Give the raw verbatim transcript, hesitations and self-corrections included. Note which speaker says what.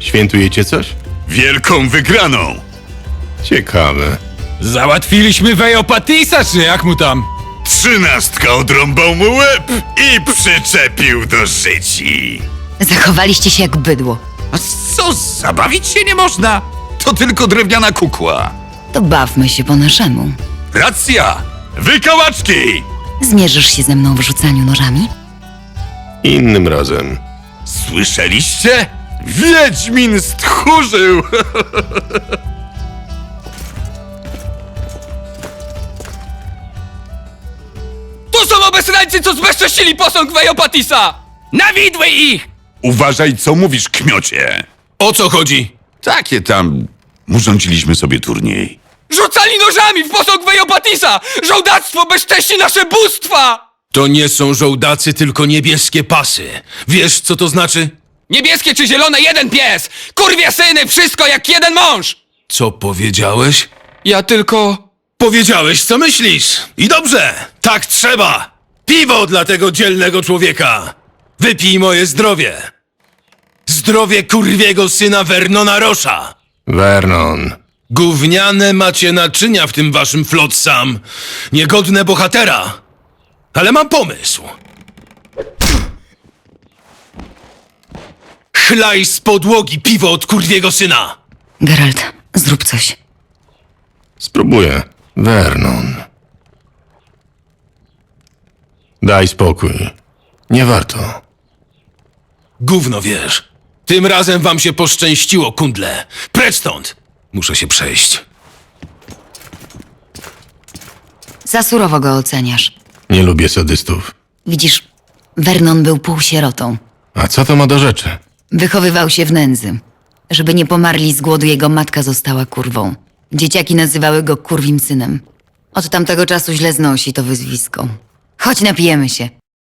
Speaker 1: Świętujecie coś?
Speaker 2: Wielką wygraną!
Speaker 1: Ciekawe.
Speaker 3: Załatwiliśmy Weopatisa, czy jak mu tam?
Speaker 2: Trzynastka odrąbał mu łeb i przyczepił do życi.
Speaker 4: Zachowaliście się jak bydło.
Speaker 5: A co, zabawić się nie można? To tylko drewniana kukła.
Speaker 4: To bawmy się po naszemu.
Speaker 5: Racja!
Speaker 2: Wykałaczki!
Speaker 4: Zmierzysz się ze mną w rzucaniu nożami?
Speaker 1: Innym razem.
Speaker 2: Słyszeliście? Wiedźmin stchórzył!
Speaker 3: To są obesrańcy, co zbezcześcili posąg Weopatisa! Na widły ich!
Speaker 2: Uważaj, co mówisz, kmiocie.
Speaker 3: O co chodzi?
Speaker 2: Takie tam... urządziliśmy sobie turniej.
Speaker 3: Rzucali nożami w posąg Weopatisa! Żołdactwo bezcześci nasze bóstwa!
Speaker 6: To nie są żołdacy, tylko niebieskie pasy. Wiesz, co to znaczy?
Speaker 3: Niebieskie czy zielone, jeden pies! Kurwie syny, wszystko jak jeden mąż!
Speaker 6: Co powiedziałeś?
Speaker 3: Ja tylko...
Speaker 6: Powiedziałeś, co myślisz. I dobrze, tak trzeba. Piwo dla tego dzielnego człowieka. Wypij moje zdrowie. Zdrowie kurwiego syna Vernona Rosza.
Speaker 1: Vernon.
Speaker 6: Gówniane macie naczynia w tym waszym flotsam. Niegodne bohatera. Ale mam pomysł. Chlaj z podłogi piwo od kurwiego syna.
Speaker 4: Geralt, zrób coś.
Speaker 1: Spróbuję. Vernon. Daj spokój. Nie warto.
Speaker 6: Gówno wiesz. Tym razem wam się poszczęściło, kundle. Precz stąd. Muszę się przejść.
Speaker 4: Za surowo go oceniasz.
Speaker 1: Nie lubię sadystów.
Speaker 4: Widzisz, Vernon był półsierotą.
Speaker 1: A co to ma do rzeczy?
Speaker 4: Wychowywał się w nędzy. Żeby nie pomarli z głodu, jego matka została kurwą. Dzieciaki nazywały go kurwim synem. Od tamtego czasu źle znosi to wyzwisko. Chodź, napijemy się.